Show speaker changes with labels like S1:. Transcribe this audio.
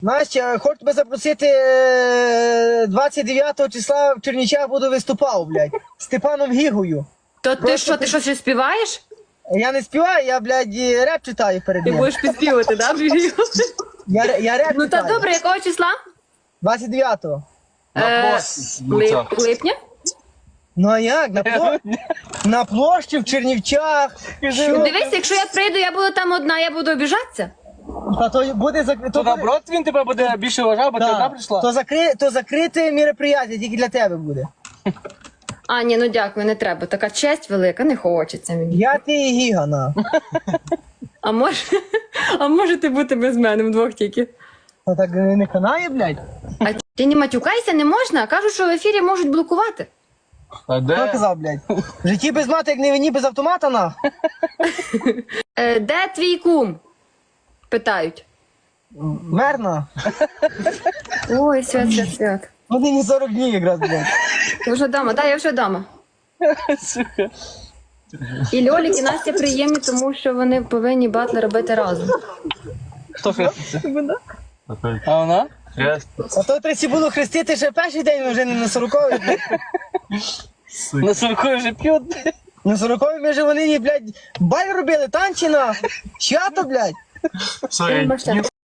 S1: Настя, хочу тебе запросити 29 числа в Чернічах буду виступав, блядь, з Степаном Гігою.
S2: То ти що, ти щось співаєш?
S1: Я не співаю, я, блядь, реп читаю перед
S2: Ти
S1: ним.
S2: будеш підспівати, да?
S1: Я реп
S2: Ну та
S1: читаю.
S2: добре, якого числа?
S1: 29-го.
S2: Липня?
S1: Ну а як? На площі в Чернівчах. Що?
S2: Дивись, якщо я прийду, я буду там одна, я буду обіжатися.
S1: Та то буде
S3: То наоборот він тебе буде більше вважав, бо ти одна прийшла.
S1: То закрите мероприятие, тільки для тебе буде.
S2: А, ні, ну дякую, не треба. Така честь велика, не хочеться мені.
S1: Я ти і Гіга, на.
S2: А можете бути без мене вдвох тільки.
S1: Та так не канає, блядь.
S2: А ти не матюкайся, не можна. Кажуть, що в ефірі можуть блокувати.
S3: А
S1: Хто
S3: де?
S1: казав, блядь? В житті без мати, як не війні, без автомата, на.
S2: Де твій кум? Питають.
S1: Мерна.
S2: Ой, свят.
S1: Вони не 40 днів якраз, блядь.
S2: Ти вже вдома? Так, я вже вдома. І Льолік, і Настя приємні, тому що вони повинні батли робити разом.
S3: Хто хреститься? А вона?
S1: А то треба було хрестити ще перший день, ми вже не на 40-й, блядь.
S3: На 40 вже п'ють.
S1: На 40-й ми вже вони, блядь, баль робили, танці на. Свято, блядь.
S2: Бачите,